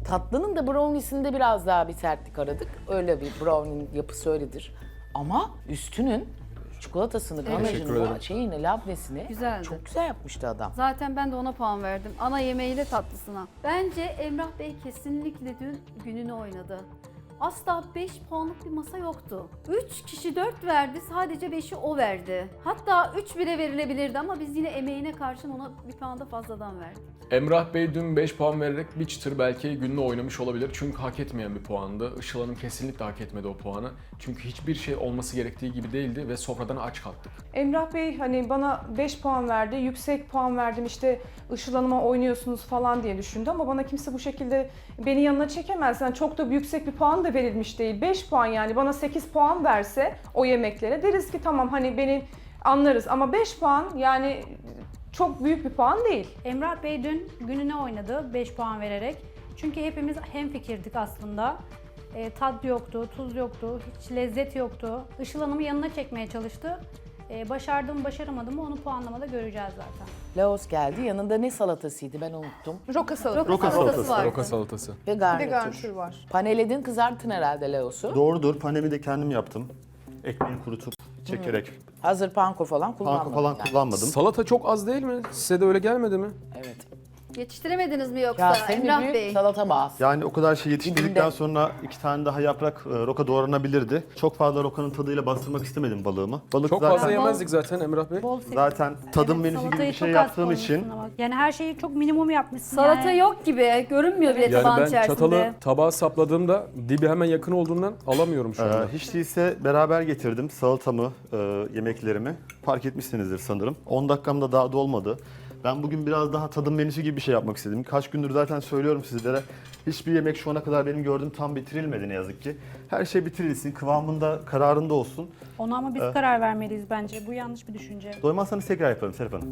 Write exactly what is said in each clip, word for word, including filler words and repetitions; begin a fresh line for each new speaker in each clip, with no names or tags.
Tatlının da brownie'sinde biraz daha bir sertlik aradık. Öyle bir brownie'nin yapısı öyledir. Ama üstünün çikolatasını,
Teşekkür
ganajını,
ederim.
şeyini, labnesini
Güzeldi.
çok güzel yapmıştı adam.
Zaten ben de ona puan verdim. Ana yemeğiyle tatlısına. Bence Emrah Bey kesinlikle dün gününü oynadı. Asla beş puanlık bir masa yoktu. üç kişi dört verdi, sadece beşi o verdi. Hatta üç bire verilebilirdi ama biz yine emeğine karşın ona bir puan da fazladan verdik.
Emrah Bey dün beş puan vererek bir çıtır belki gününü oynamış olabilir. Çünkü hak etmeyen bir puandı. Işıl Hanım kesinlikle hak etmedi o puanı. Çünkü hiçbir şey olması gerektiği gibi değildi ve sofradan aç kalktık.
Emrah Bey hani bana beş puan verdi, yüksek puan verdim işte Işıl Hanım'a oynuyorsunuz falan diye düşündü ama bana kimse bu şekilde beni yanına çekemez. Yani çok da yüksek bir puan da verilmiş değil. beş puan yani bana sekiz puan verse o yemeklere deriz ki tamam hani beni anlarız ama beş puan yani çok büyük bir puan değil.
Emrah Bey dün gününe oynadı beş puan vererek. Çünkü hepimiz hemfikirdik aslında. E, tat yoktu, tuz yoktu, hiç lezzet yoktu. Işıl Hanım'ı yanına çekmeye çalıştı. E, başardım mı başaramadım mı onu puanlamada göreceğiz zaten.
Laos geldi. Yanında ne salatasıydı ben unuttum.
Roka salatası.
Roka salatası vardı.
Roka salatası.
Ve
Bir
garnitür.
de garnitür var.
Paneledin, kızarttın herhalde Laos'u.
Doğrudur. Panemi de kendim yaptım. Ekmeği kurutup çekerek.
Hazır panko falan kullanmadın.
Panko falan
yani.
kullanmadım.
Salata çok az değil mi? Size de öyle gelmedi mi?
Evet.
Yetiştiremediniz mi yoksa
Ya senin
Emrah
büyük
Bey?
salata bağısı.
Yani o kadar şey yetiştirdikten
Dibinde.
sonra iki tane daha yaprak e, roka doğranabilirdi. Çok fazla rokanın tadıyla bastırmak istemedim balığımı. Balık
Çok
zaten,
fazla yemezdik zaten Emrah Bey.
Bol sev-
zaten tadım
Evet,
menüsü gibi
salatayı
bir şey
çok az
yaptığım için
koymuşsun ama. Yani her şeyi çok minimum yapmışsın.
Salata
yani.
yok gibi, görünmüyor bile
Yani
tabağın
ben
içerisinde.
çatalı tabağa sapladığımda dibi hemen yakın olduğundan alamıyorum şu anda.
e, hiç değilse beraber getirdim salatamı, e, yemeklerimi. Fark etmişsinizdir sanırım. on dakikamda daha dolmadı. Ben bugün biraz daha tadım menüsü gibi bir şey yapmak istedim. Kaç gündür zaten söylüyorum sizlere. Hiçbir yemek şu ana kadar benim gördüğüm tam bitirilmedi ne yazık ki. Her şey bitirilsin, kıvamında, kararında olsun.
Ona ama biz
Evet.
karar vermeliyiz bence. Bu yanlış bir düşünce.
Doymazsanız tekrar yaparım Serap Hanım.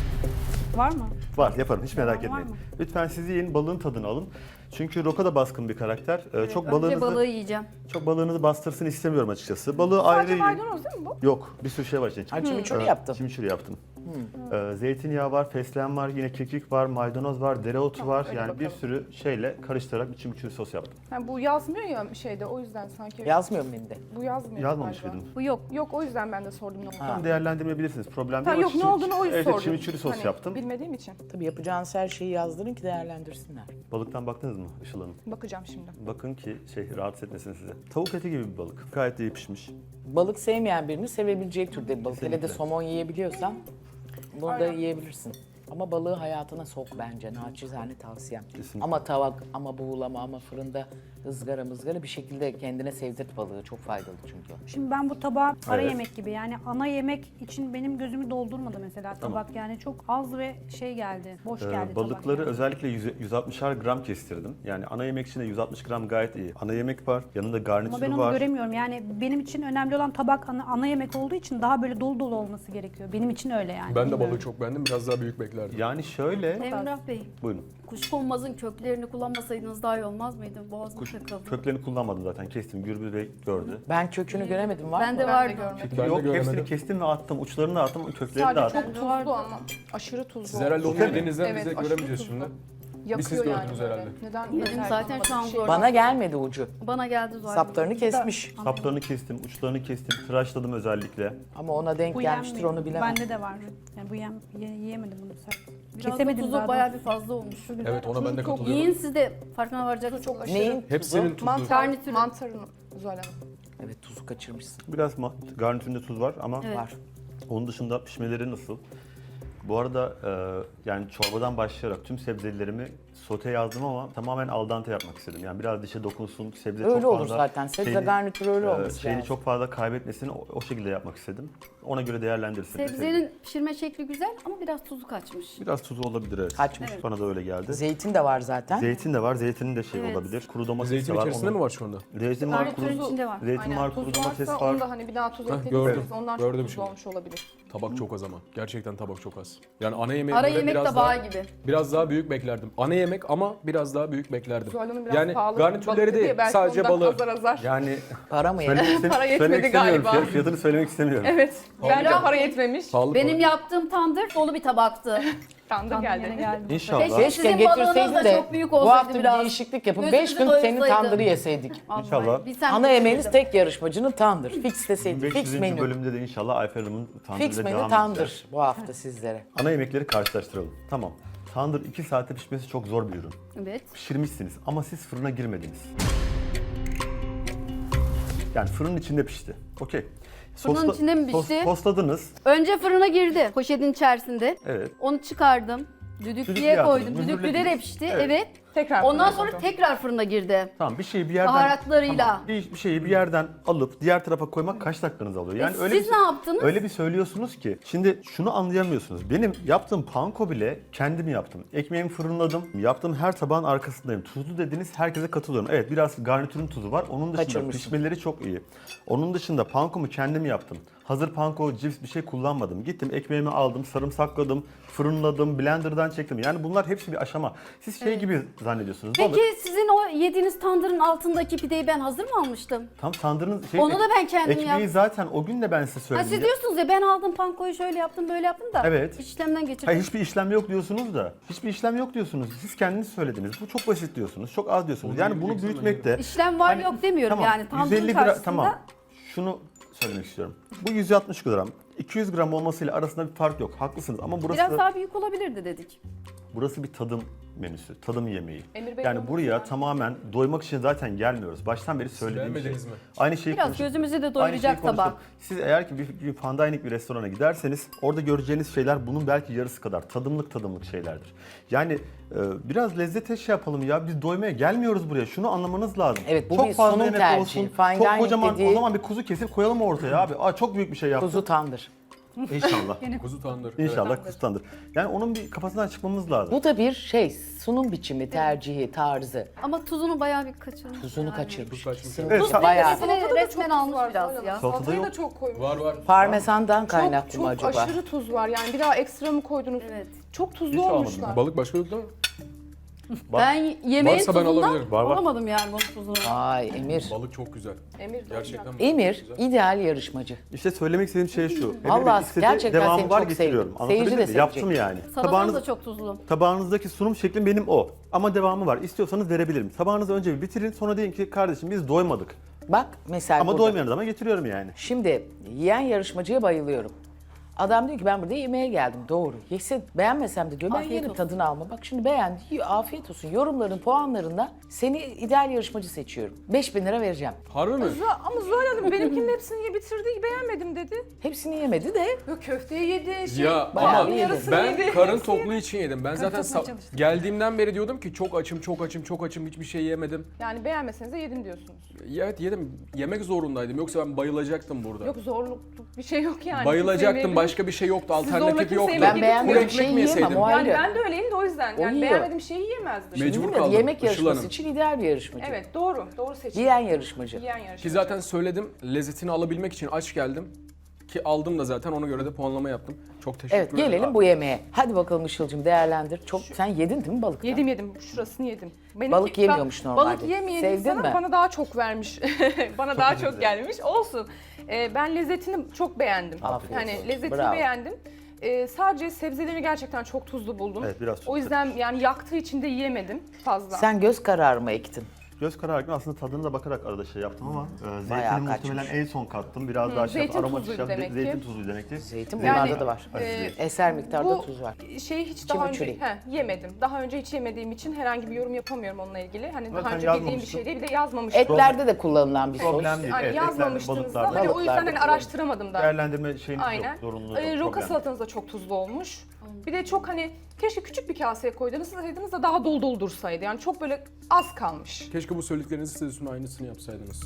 Var mı?
Var, yaparım. Hiç merak
Var
etmeyin.
mı?
Lütfen siz yiyin, balığın tadını alın. Çünkü roka da baskın bir karakter. Ee, çok
Önce
balığınızı
balığı yiyeceğim.
çok balığınızı bastırsın istemiyorum açıkçası. Balığı
Sadece
ayrı
maydanoz değil mi bu?
Yok, bir sürü şey var içinde.
Ha, chimichurri
Ee,
yaptın.
Chimichurri yaptım. Ee, zeytinyağı var, fesleğen var, yine kekik var, maydanoz var, dereotu
Tamam,
var.
öyle
Yani bir
bakalım.
sürü şeyle karıştırarak bir chimichurri sos yaptım.
Yani bu yazmıyor ya şeyde o yüzden sanki.
Yazmıyor mu menüde?
Bu yazmıyor.
Yazmamış
galiba.
mıydım?
Bu yok.
Yok o yüzden ben de sordum ne olduğunu.
Tam değerlendirmeyebilirsiniz. Problem
Ha,
değil.
yok ne
Chimi-
olduğunu o yüzden
Evet,
sordum.
chimichurri sos
Hani
yaptım.
Bilmediğim için.
Tabii yapacağınız her şeyi yazdırın ki değerlendirsinler.
Balıktan baktınız mı Işıl Hanım?
Bakacağım şimdi.
Bakın ki şey rahatsız etmesin size. Tavuk eti gibi bir balık. Gayet de iyi pişmiş.
Balık sevmeyen birini sevebileceği türde bir balık. Hele de
Kesinlikle.
somon yiyebiliyorsan bunu da
Aynen.
yiyebilirsin. Ama balığı hayatına sok bence. Naçizane tavsiyem.
Kesinlikle.
Ama tavak, ama buğulama, ama fırında ızgara mızgara bir şekilde kendine sevdirt balığı. Çok faydalı çünkü.
Şimdi ben bu tabağı ara
Evet.
yemek gibi yani ana yemek için benim gözümü doldurmadı mesela tabak yani çok az ve şey geldi, boş
Ee,
geldi
balıkları
tabak.
özellikle yüz- yüz altmışar gram kestirdim. Yani ana yemek için de yüz altmış gram gayet iyi. Ana yemek var, yanında
Ama
garnitürü
ben onu
var.
göremiyorum yani benim için önemli olan tabak ana, ana yemek olduğu için daha böyle dolu dolu olması gerekiyor. Benim için öyle yani.
Ben de
Bilmiyorum.
balığı çok beğendim. Biraz daha büyük beklerdim.
Yani şöyle,
Emrah Bey,
buyurun.
kuşkonmazın köklerini kullanmasaydınız daha iyi olmaz mıydı? Boğazım
Kuş
takıldı.
köklerini kullanmadım zaten. Kestim. Gürbüz Bey gördü.
Ben kökünü göremedim. Var
Ben
mı?
de
Ben de
vardı.
görmedim.
Ben
Yok,
de göremedim.
hepsini kestim ve attım. Uçlarını da attım, köklerini de
Sadece
attım.
çok tuzlu ama. Aşırı tuzlu.
Siz herhalde onu
Okey mi?
yediğinizden
Evet,
biz de
aşırı
göremeyeceğiz
tuzlu.
şimdi.
Yakıyor
siz
yani
gördünüz
böyle.
herhalde.
Neden?
Yedim
Neden
zaten
yapmadım
şu an
bir şey
gördüm.
Bana gelmedi ucu.
Bana geldi zaten.
Saplarını kesmiş.
Saplarını kestim, uçlarını kestim, tıraşladım özellikle.
Ama ona denk
Bu
gelmiştir
yenmiyor.
onu bilemem.
Bende de var. Yani bu yem, ye- yiyemedim bunu sert.
Biraz da
Kesemedim
tuzu
daha
bayağı
doğrusu.
bir fazla olmuş.
Evet ona ben de
çok
katılıyorum.
Yiyin siz de farkına varacaksınız.
Çok aşırı.
Neyin tuzu?
Hepsinin tuzu.
Mantar,
Garnitürü.
mantarını Zuhal Hanım.
Evet tuzu kaçırmışsın.
Biraz ma- garnitüründe tuz var ama
Evet.
Var.
onun dışında pişmeleri nasıl? Bu arada e, yani çorbadan başlayarak tüm sebzelerimi sote yazdım ama tamamen al dente yapmak istedim. Yani biraz dişe dokunsun, sebze
Öyle
çok
olur
fazla
zaten. Sebze
şeyini-
garnitürü öyle
e,
olması
şeyini
lazım.
çok fazla kaybetmesini o, o şekilde yapmak istedim. Ona göre değerlendirsin.
Sebzenin pişirme şekli güzel ama biraz tuzu kaçmış.
Biraz tuzu olabilir evet.
Kaçmış.
Bana da öyle geldi.
Zeytin de var zaten.
Zeytin de var, zeytinin de şey
Evet.
olabilir. Kuru domates
Zeytin
de var.
içerisinde
onun-
mi var şu anda?
Zeytin var,
Garnitürün
kuru,
içinde var.
zeytin
Aynen.
var, kuru
Tuz
domates
varsa
var.
onu da hani bir daha tuz
Heh,
ekleyebiliriz.
gördüm.
Onlar
Gördüm
çok tuzlu
şimdi.
olmuş olabilir.
Tabak çok az ama. Gerçekten tabak çok az. Yani ana yemeğe
Ara
göre
yemek
biraz
tabağı
daha,
gibi.
biraz daha büyük beklerdim. Ana yemek ama biraz daha büyük beklerdim.
Zuhal Hanım biraz
Yani
pahalı
garnitürleri
balık
değil,
diye belki
sadece
ondan
balığı.
azar azar.
Yani
Para mı
söylemek,
yedin?
istem-
Para yetmedi
söylemek istemiyorum.
galiba.
Fiyat- Fiyatını söylemek istemiyorum.
Evet.
Pahalı
Bence
mı?
para yetmemiş.
Pahalı
Benim
pahalı.
yaptığım tandır dolu bir tabaktı.
Tandır
Tandır
geldi.
yine geldi.
İnşallah.
Keşke
Keşke
sizin balığınız
getirseydin
da
de
çok büyük
bu
olsaydı
hafta bir
biraz.
değişiklik yapıp
Gözümüzü
beş gün senin
doyursaydı.
tandırı yeseydik.
Vallahi
İnşallah.
bir sen
Ana
de
yemeğiniz
yedim.
tek yarışmacının tandır. Fix deseydin.
beş
Fix
yüzüncü
menü.
bölümde de inşallah Ayfer Hanım'ın
Fix
tandırıyla
menü
devam
tandır
edeceğiz.
bu hafta sizlere.
Ana yemekleri karşılaştıralım. Tamam. Tandır iki saatte pişmesi çok zor bir ürün.
Evet.
Pişirmişsiniz ama siz fırına girmediniz. Yani fırının içinde pişti. Okey.
Fırının içinde mi
sos-
pişti?
Sosladınız.
Önce fırına girdi poşetin içerisinde.
Evet.
Onu çıkardım.
Düdüklüye
Düdüklüye
attınız,
koydum. Düdüklüde de
mühürlediniz.
pişti.
Evet.
Evet.
Tekrar
Ondan
fırına
sonra
koydum.
tekrar fırına girdi.
Tamam bir şeyi bir yerden...
Baharatlarıyla.
Tamam, bir, bir şeyi bir yerden alıp diğer tarafa koymak kaç dakikanızı alıyor? Yani
E,
öyle
siz
bir,
ne yaptınız?
Öyle bir söylüyorsunuz ki. Şimdi şunu anlayamıyorsunuz. Benim yaptığım panko bile kendim yaptım. Ekmeğimi fırınladım. Yaptığım her tabağın arkasındayım. Tuzlu dediniz, herkese katılıyorum. Evet biraz garnitürün tuzu var. Onun dışında
Kaçırmışsın.
pişmeleri çok iyi. Onun dışında pankomu kendim yaptım. Hazır panko, cips bir şey kullanmadım. Gittim ekmeğimi aldım, sarımsakladım, fırınladım, blenderdan çektim. Yani bunlar hepsi bir aşama. Siz şey gibi zannediyorsunuz.
Peki
balık.
sizin o yediğiniz tandırın altındaki pideyi ben hazır mı almıştım?
Tam tandırın şey,
Onu da ben kendim
ekmeği
yaptım.
zaten o gün de ben size
Ha
söyledim.
siz diyorsunuz ya ben aldım pankoyu şöyle yaptım böyle yaptım da
Evet.
işlemden geçirdim.
Hayır hiçbir işlem yok diyorsunuz da. Hiçbir işlem yok diyorsunuz. Siz kendiniz söylediniz. Bu çok basit diyorsunuz. Çok az diyorsunuz. Yani bunu büyütmekte...
İşlem var
Hani-
yok demiyorum
tamam,
yani tandırın
yüz elli gram,
karşısında.
tamam. Şunu söylemek istiyorum. Bu yüz altmış gram. iki yüz gram olmasıyla arasında bir fark yok. Haklısınız ama burası
Biraz
da-
daha büyük olabilirdi dedik.
burası bir tadım menüsü, tadım yemeği.
Emir Bey
Yani
olmuş
buraya
yani.
tamamen doymak için zaten gelmiyoruz. Baştan beri söylediğim şey.
beğenmediniz mi?
Aynı şeyi
Biraz
konuştuk.
gözümüzü de
Aynı
doyuracak
şeyi konuştuk.
tabak.
Siz eğer ki bir, bir fine dining bir restorana giderseniz orada göreceğiniz şeyler bunun belki yarısı kadar tadımlık tadımlık şeylerdir. Yani e, biraz lezzete şey yapalım ya biz doymaya gelmiyoruz buraya. Şunu anlamanız lazım.
Evet, bu
çok
bir
fazla
sunum
yemek
tercihi.
olsun.
Fine
çok
dining
kocaman
dediği-
o zaman bir kuzu kesip koyalım ortaya abi. Aa çok büyük bir şey yaptık.
Kuzu tandır.
İnşallah.
Kuzu tandır.
İnşallah kuzutandır. Yani onun bir kafasından çıkmamız lazım.
Bu da bir şey, sunum biçimi, tercihi, tarzı.
Ama tuzunu bayağı bir kaçırmış.
Tuzunu
yani.
kaçırmış.
kaçmış.
ikisini
Evet,
tuz
sa-
bayağı.
Salatada da
Resmen
resmen
çok
almış
tuz var,
biraz
Zuhal
ya.
Hanım.
Salatada
Salatayı da
yok.
çok koymuş.
Var var.
Parmesandan kaynaklı
çok,
mı
çok
acaba?
aşırı tuz var yani bir daha ekstra mı koydunuz?
Evet.
Çok tuzlu
Hiç almadım
olmuşlar.
Balık başka yok değil mi?
Ben yemeğin
Varsa ben
tuzundan
alabilirim.
Var, var.
olamadım yani bunun tuzunu.
Ay Emir.
Balık çok güzel.
Emir
Gerçekten balık
Emir
çok güzel.
ideal yarışmacı.
İşte söylemek istediğim şey şu. Emir Bey
Vallahi
istedi,
gerçekten
devamı
seni
var
çok
getiriyorum.
sevdim.
Anlatabildim
Seyirci de
mi?
sevecek.
Yaptım yani.
Salatanız
Tabağınız,
da çok tuzlu.
tabağınızdaki sunum şeklim benim o. Ama devamı var. İstiyorsanız verebilirim. Tabağınızı önce bir bitirin sonra deyin ki kardeşim biz doymadık.
Bak mesela
Ama
burada.
doymayan adama getiriyorum yani.
Şimdi yiyen yarışmacıya bayılıyorum. Adam diyor ki ben burada yemeğe geldim. Doğru. Yesin. Beğenmesem de diyor ben
Afiyet
yerim
olsun.
tadını alma. Bak şimdi beğendi. yiyor, afiyet olsun. Yorumların, puanlarında seni ideal yarışmacı seçiyorum. beş bin lira vereceğim.
Harbi mi?
Ama Zuhal Hanım benimkinin hepsini ye bitirdi beğenmedim dedi.
Hepsini yemedi de
Yok köfteyi yedi. Şey,
Ya
bayağı
ama
bir yedim.
yarısını
ben
yedi.
karın tokluğu için yedim. Ben zaten
tokluğuna
sa-
çalıştım.
geldiğimden beri diyordum ki çok açım, çok açım, çok açım. Hiçbir şey yemedim.
Yani beğenmeseniz de yedim diyorsunuz.
Evet yedim. Yemek zorundaydım. Yoksa ben bayılacaktım burada.
Yok zorluk bir şey yok yani.
Bayılacaktım.
Kimse
Başka bir şey yoktu.
zorla
Alternatif
kimseyi
yoktu.
yemek
ben beğenmediğim
Kuru ekmek
şeyi
mi
yiyemem.
yeseydim?
O
Yani
ayrı.
ben de öyleyim de o yüzden.
O
Yani
yiyor.
beğenmediğim şeyi yiyemezdim.
Mecbur
Değil mi?
kaldım.
Yemek
Işıl
yarışması
Hanım.
için ideal bir yarışmacı.
Evet doğru. Doğru seçim.
Yiyen yarışmacı.
Yiyen yarışmacı.
Ki zaten söyledim. Lezzetini alabilmek için aç geldim. Ki aldım da zaten ona göre de puanlama yaptım. Çok teşekkür
Evet
ederim.
gelelim bu yemeğe. Hadi bakalım Işıl'cığım değerlendir. Çok sen yedin değil mi balık?
Yedim yedim. Şurasını yedim. Benimki-
Balık yemiyormuş
ben-
normalde.
Balık yemeyen
Sevdin
insana
mi?
bana daha çok vermiş. bana daha çok
güzel.
gelmiş. Olsun. Ee, ben lezzetini çok beğendim.
Afiyet
hani
olsun.
lezzetini
Bravo.
beğendim. Ee, sadece sebzeleri gerçekten çok tuzlu buldum.
Evet, biraz çok
O yüzden yani yaktığı için de yiyemedim fazla.
Sen göz kararı mı ektin?
Göz kararı aslında tadına da bakarak arada şey yaptım ama e,
Bayağı
zeytini muhtemelen
kaçmış.
en son kattım. Biraz daha şey
zeytin
yaptım. Aromatik
tuzluydu
şey
demek
yaptım.
ki.
Zeytin tuzlu demek ki.
Zeytin
Yani,
bunlarda da var.
e,
Eser miktarda
bu
tuz var.
şeyi hiç
İçi
daha
mi
önce
çürük?
he, yemedim. Daha önce hiç yemediğim için herhangi bir yorum yapamıyorum onunla ilgili. Hani
Zaten
daha önce bildiğim bir
yazmamıştım.
şey değil. Bir de yazmamıştım.
Etlerde de kullanılan bir sos.
Problem değil.
Yani
Evet,
yazmamıştınız
etlerde,
da hani
balıklarda.
o yüzden hani
Balıklarda
araştıramadım da.
Değerlendirme şeyiniz
Aynen.
yok, zorunluluğu
Ee,
yok.
roka
problem.
salatanız da çok tuzlu olmuş. Bir de çok hani keşke küçük bir kaseye koydunuz da daha dolu dolu dursaydı. Yani çok böyle az kalmış.
Keşke bu söylediklerinizi size üstüne aynısını yapsaydınız.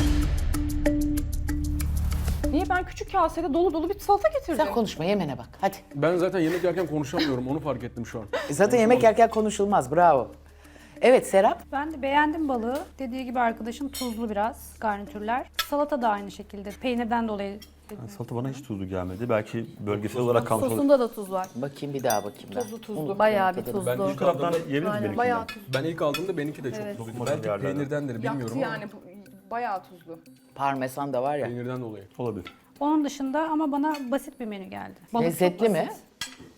Niye ben küçük kasede dolu dolu bir salata getirdim?
Sen konuşma yemene bak hadi.
Ben zaten yemek yerken konuşamıyorum. Onu fark ettim şu an.
E Zaten yemek yerken konuşulmaz bravo. Evet Serap.
Ben de beğendim balığı. Dediği gibi arkadaşım tuzlu biraz garnitürler. Salata da aynı şekilde. Peynirden dolayı.
Yani salata bana hiç tuzlu gelmedi. Belki bölgesel olarak kalmış olabilir.
Sosunda da tuz var.
Bakayım bir daha bakayım ben.
Tuzlu tuzlu.
Unuttum
Bayağı bir
tadını.
Ben
tuzlu.
ilk
Bu taraftan
aldığımda,
yiyebilir miyiz
Aynen,
benimkinden?
bayağı tuzlu.
ben ilk aldığımda benimki de çok
Evet.
tuzluydu.
Umarım
Belki
yerlerden.
peynirdendir bilmiyorum
Yaktı
ama
yani bu- bayağı tuzlu.
Parmesan da var ya.
peynirden dolayı.
Olabilir.
Onun dışında ama bana basit bir menü geldi. Balık çok
Lezzetli mi?
basit.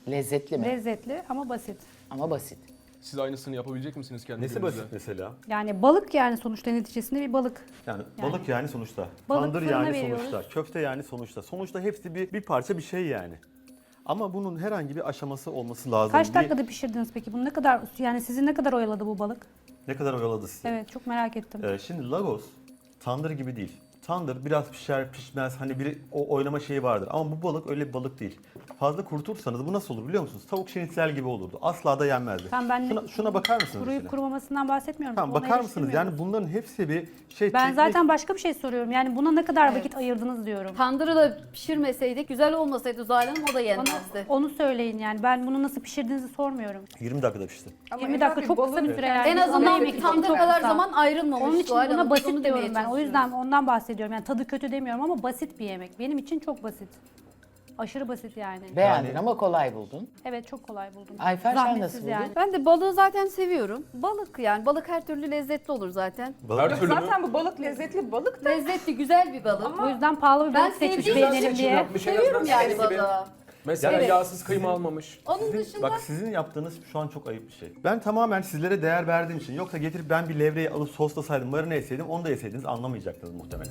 Lezzetli mi?
Lezzetli ama basit.
Ama basit.
Siz aynısını yapabilecek misiniz kendi
Nesi
gününüzde?
basit mesela?
Yani balık yani sonuçta neticesinde bir balık.
Yani,
Yani.
balık yani sonuçta.
Balık
Tandır
fırına
yani
veriyoruz.
sonuçta. Köfte yani sonuçta. Sonuçta hepsi bir, bir parça bir şey yani. Ama bunun herhangi bir aşaması olması lazım.
Kaç
Bir-
dakikada pişirdiniz peki? Bunu ne kadar yani sizi ne kadar oyaladı bu balık?
Ne kadar oyaladı sizi?
Evet çok merak ettim.
Ee, şimdi Lagos tandır gibi değil. Tandır biraz pişer pişmez hani bir o oynama şeyi vardır. Ama bu balık öyle bir balık değil. Fazla kurutursanız bu nasıl olur biliyor musunuz? Tavuk şinitsel gibi olurdu. Asla da yenmezdi.
Tamam, ben
şuna, şuna bakar mısınız?
Kuruyup
mesela?
kurumamasından bahsetmiyorum.
Tamam
Onu
bakar mısınız?
eleştirmiyorum.
Yani bunların hepsi bir şey
Ben
teknik.
zaten başka bir şey soruyorum. Yani buna ne kadar
Evet.
vakit ayırdınız diyorum.
Tandırı da pişirmeseydik, güzel olmasaydı Zuhal Hanım o da
Bana
yenmezdi.
onu söyleyin yani. Ben bunu nasıl pişirdiğinizi sormuyorum.
yirmi dakikada pişti.
Ama
yirmi
Emrah
dakika
Bey,
çok kısa
balığın
bir süre yani.
En
Ana
azından
yemek
bir
için
tandır
çok
kadar
kısa.
zaman ayrılmamış.
Onun için
Zuhal
buna
Hanım,
basit
onu
diyorum
demeye
ben. O
çalışıyorum.
yüzden ondan bahsediyorum. Yani tadı kötü demiyorum ama basit bir yemek. Benim için çok basit. Aşırı basit yani.
Beğendin
Yani-
ama kolay buldun.
Evet çok kolay buldum.
Ayfer, sen
Zahmetsiz
nasıl buldun?
yani.
Ben de balığı zaten seviyorum. Balık yani. Balık her türlü lezzetli olur zaten.
Balık
Her türlü mü?
Zaten bu balık lezzetli bir balık da
Lezzetli, güzel bir balık.
O yüzden pahalı bir
Ben
balık seçmiş
sevdiğim
beğenelim
seçim
diye.
yapmış. En
Seviyorum
azından
yani
senin gibi.
balığı.
Mesela
Evet.
yağsız kıyma almamış.
Onun
Sizin-
dışında
bak sizin yaptığınız şu an çok ayıp bir şey. Ben tamamen sizlere değer verdiğim için yoksa getirip ben bir levreyi alıp soslasaydım, marine etseydim onu da yeseydiniz anlamayacaktınız muhtemelen.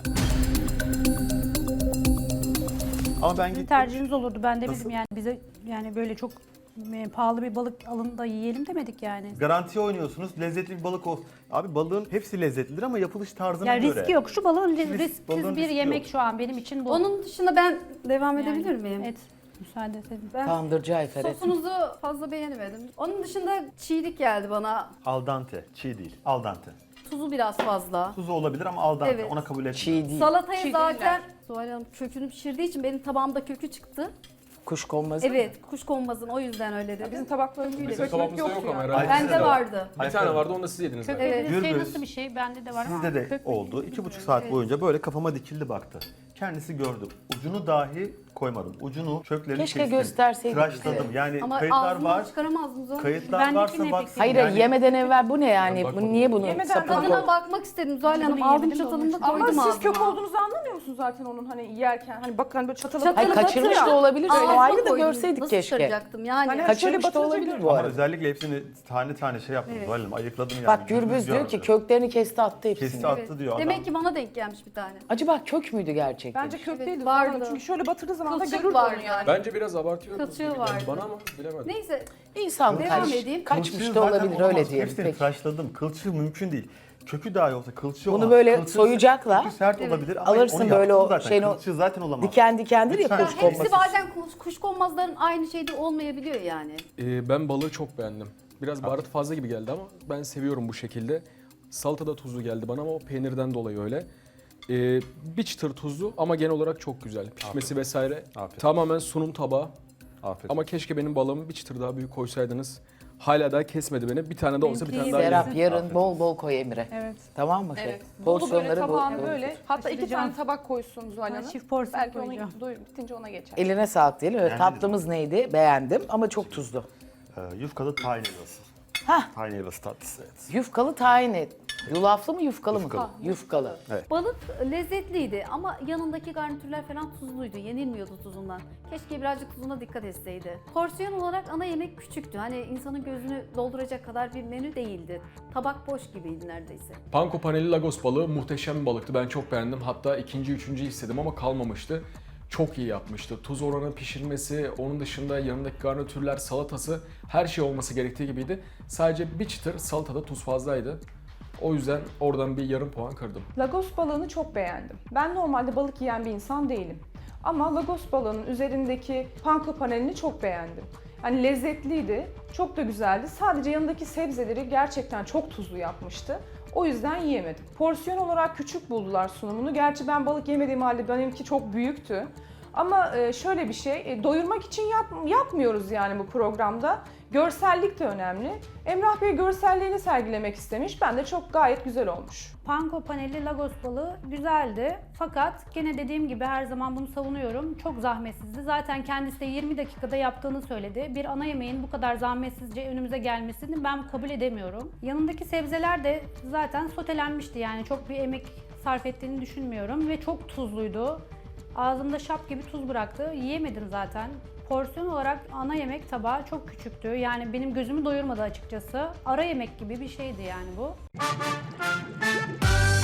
Ama ben
Sizin
gittim.
tercihiniz olurdu. Ben de
Nasıl?
bizim yani bize yani böyle çok e, pahalı bir balık alın da yiyelim demedik yani.
Garantiye oynuyorsunuz. Lezzetli bir balık olsun. Abi balığın hepsi lezzetlidir ama yapılış tarzına
Yani
göre.
riski yok. Şu balığın
Risk-
risksiz
balığın
bir
riski
yemek
yok.
şu an benim için bu.
onun dışında ben devam
Yani,
edebilir miyim?
Evet. Müsaade edin.
Ben
Tandırcı Ayfer et.
sosunuzu fazla beğenemedim. Onun dışında çiğlik geldi bana.
Al dente. Çiğ değil. Al dente.
Tuzu biraz fazla.
Tuzu olabilir ama al dente.
Evet.
Ona kabul etmiyorum.
Çiğ değil.
Salatayı
Çiğ
zaten
değiller.
Zuhal Hanım kökünü pişirdiği için benim tabağımda kökü çıktı.
Kuşkonmazı.
Evet, kuşkonmazın o yüzden öyle dedim.
bizim tabaklarımızda
Bizim
köpük
tabağımızda
yoktu
yok ama
yani.
herhalde.
Ayfer
Bende
de var.
vardı.
Bir tane vardı onu da siz yediniz
Kök
zaten.
dediğiniz şey
Gürbüz.
nasıl bir şey? Bende de var ama.
Sizde de
kök-
oldu. İki buçuk saat boyunca böyle kafama dikildi baktı. Kendisi gördü. Ucunu dahi koymadım. Ucunu çöplerini
Keşke
kestim.
gösterseydik
Tıraşladım. Yani
Ama
kayıtlar
ağzımdan
var.
çıkaramazdım Zuhal Hanım.
Kayıtlar
Bendekine
varsa
pek
baksın.
Hayır
yani.
yemeden evvel bu ne yani?
Ben
Bu,
bakmadım.
niye bunu
Yemeden
sapını
tadına
koy-
Tadına bakmak istedim Zuhal Hanım.
Bunu
Aldım
yemedim de
çatalımda
onun için.
Ama
koydum
siz kök
ağzıma.
olduğunuzu anlamıyor musunuz zaten onun hani yerken? Hani bakın hani böyle çatalı
Çatalı
Hayır kaçırmış
batırıyor.
da olabilir. O
Ağzıma
ayrı da
koydum.
görseydik
Nasıl
keşke.
çıkaracaktım yani?
Hani-
Kaçırmış
Şöyle
da
batırınca
olabilir
biliyorum.
bu
Ama
arada.
özellikle hepsini tane tane şey yaptım.
Evet.
Zuhal Hanım ayıkladım yani.
Bak Gürbüz diyor ki köklerini kesti attı hepsini.
Kesti attı diyor adam.
Demek ki bana denk gelmiş bir tane.
Acaba kök müydü gerçekten?
Bence kök
Evet,
değildi.
vardı.
Vardı. Çünkü şöyle batırdığı zaman da
Kılçık
görürdü
vardı
onu yani.
Bence biraz abartıyor.
Kılçığı vardı.
Bana ama bilemedim.
Neyse
İnsan
Devam
kaç,
edeyim.
kaçmış
Kılçığı
da
zaten
olabilir
olamaz.
öyle diyelim.
Hepsini
Peki.
tıraşladım. Kılçığı mümkün değil. Kökü dahi olsa kılçığı
Bunu
olmaz.
böyle
Kılçığı-
soyacakla
kökü sert
Evet.
olabilir ama
alırsın
onu
böyle
yaptım
o
zaten.
şeyini o-
Kılçığı zaten olamaz.
Diken dikendir ya
Lütfen.
ya
kuşkonmazı.
hepsi bazen kuş, kuşkonmazların aynı şeyde olmayabiliyor yani.
Ee, ben balığı çok beğendim. Biraz baharat fazla gibi geldi ama ben seviyorum bu şekilde. Salata da tuzlu geldi bana ama o peynirden dolayı öyle. Ee, bir çıtır tuzlu ama genel olarak çok güzel. Pişmesi vesaire.
Afiyet.
Tamamen sunum tabağı.
Afiyet.
Ama keşke benim balığımı bir çıtır daha büyük koysaydınız. Hala daha kesmedi beni. Bir tane de olsa bir tane daha yerim.
Serap yarın bol bol koy Emre.
Evet.
Tamam mı?
Evet.
Şey?
Bolu böyle
Porsiyonları bol-
tabağını
bol
böyle.
tut.
Hatta iki
Taşıyacağım.
tane tabak koysun Zuhal
Ben
Hanım.
çift porsiyon
Belki onu
koyacağım.
doyum, bitince ona geçer.
Eline sağlık diyelim. Evet,
Beğendin
tatlımız neydi? Beğendim ama çok tuzlu.
Ee, yufkalı tahin helvası.
Hah.
Tahin helvası tatlısı evet.
Yufkalı tahin et. Yulaflı mı yufkalı mı?
Yufkalı.
Yufkalı.
Balık lezzetliydi ama yanındaki garnitürler falan tuzluydu. Yenilmiyordu tuzundan. Keşke birazcık tuzuna dikkat etseydi. Porsiyon olarak ana yemek küçüktü. Hani insanın gözünü dolduracak kadar bir menü değildi. Tabak boş gibiydi neredeyse.
Panko paneli Lagos balığı muhteşem bir balıktı. Ben çok beğendim. Hatta ikinci, üçüncü istedim ama kalmamıştı. Çok iyi yapmıştı. Tuz oranı, pişirmesi, onun dışında yanındaki garnitürler, salatası her şey olması gerektiği gibiydi. Sadece bir çıtır salatada tuz fazlaydı. O yüzden oradan bir yarım puan kırdım.
Lagos balığını çok beğendim. Ben normalde balık yiyen bir insan değilim. Ama Lagos balığının üzerindeki panko panelini çok beğendim. Hani lezzetliydi, çok da güzeldi. Sadece yanındaki sebzeleri gerçekten çok tuzlu yapmıştı. O yüzden yiyemedim. Porsiyon olarak küçük buldular sunumunu. Gerçi ben balık yemediğim halde benimki çok büyüktü. Ama e, şöyle bir şey, e, doyurmak için yap, yapmıyoruz yani bu programda. Görsellik de önemli. Emrah Bey görselliğini sergilemek istemiş. Ben de çok gayet güzel olmuş.
Panko paneli Lagos balığı güzeldi. Fakat gene dediğim gibi her zaman bunu savunuyorum. Çok zahmetsizdi. Zaten kendisi de yirmi dakikada yaptığını söyledi. Bir ana yemeğin bu kadar zahmetsizce önümüze gelmesini ben kabul edemiyorum. Yanındaki sebzeler de zaten sotelenmişti. Yani çok bir emek sarf ettiğini düşünmüyorum ve çok tuzluydu. Ağzımda şap gibi tuz bıraktı. Yiyemedim zaten. Porsiyon olarak ana yemek tabağı çok küçüktü. Yani benim gözümü doyurmadı açıkçası. Ara yemek gibi bir şeydi yani bu.